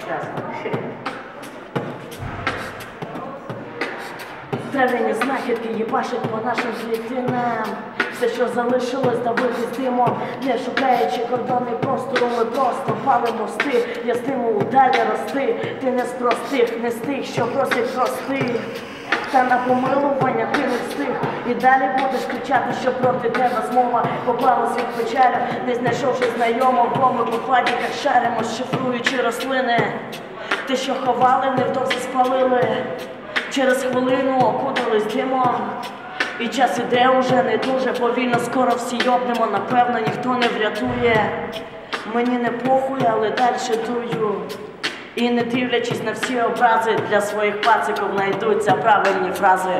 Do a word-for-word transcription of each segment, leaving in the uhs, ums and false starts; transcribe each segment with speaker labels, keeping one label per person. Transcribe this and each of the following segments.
Speaker 1: Трав'яні знахідки їбашать по нашим клітинам. Все, що залишилось, давити з димом. Не шукаючи кордони простору, ми просто палимо мости. Я стимул далі рости. Ти не з простих, не з тих, що просять прости. Та на помилування ти не встиг. І далі будеш кричати, що проти тебе змова поклала світ печалю, не знайшовши знайомого, бо ми по падіках шаримо, шифруючи рослини. Те, що ховали, невдовзі спалили. Через хвилину окутались димом. І час іде уже не дуже повільно, скоро всі йобнемо, напевно, ніхто не врятує. Мені не похуй, але дальше дую. І не дивлячись на всі образи, для своїх пациків знайдуться правильні фрази.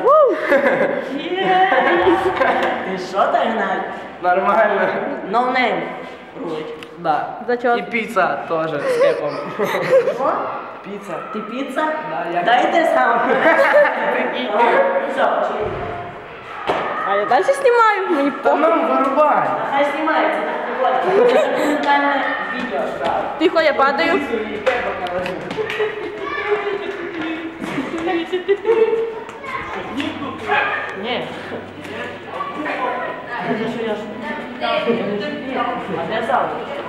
Speaker 1: Ти що так, Гнать?
Speaker 2: Нормально.
Speaker 1: No name.
Speaker 2: Да.
Speaker 3: Зачет.
Speaker 2: И пицца тоже с кепом.
Speaker 1: Що?
Speaker 2: Пицца.
Speaker 1: Ти піца?
Speaker 2: Да, я.
Speaker 1: Дайте сам. Все, пошли.
Speaker 3: А я далі знімаю, мені
Speaker 2: Да
Speaker 3: похуй.
Speaker 2: нам вырубай.
Speaker 1: Хай знімається, так прикольно. Це документальне відео.
Speaker 3: Тихо, я падаю.
Speaker 1: Ні. Це що я ж... А де зал?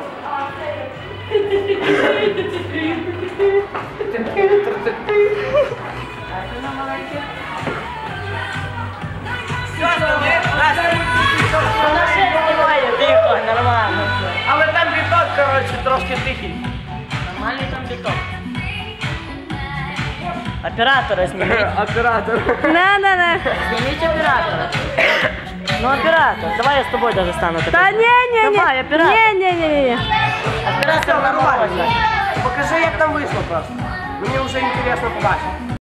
Speaker 1: Вона ще знімає, тихо, нормально.
Speaker 2: Але там біток, коротше, трошки тихий.
Speaker 1: Нормальний там біток. Оператора зніміть.
Speaker 2: Оператор.
Speaker 3: Не-не-не.
Speaker 1: Зніміть оператора. Ну, оператор, давай я з тобою даже стану.
Speaker 3: Та ні-ні-ні.
Speaker 1: Давай, оператор.
Speaker 3: Ні-ні-ні.
Speaker 1: Оператор нормально.
Speaker 2: Покажи, як там вийшло просто. Мені вже інтересно побачити.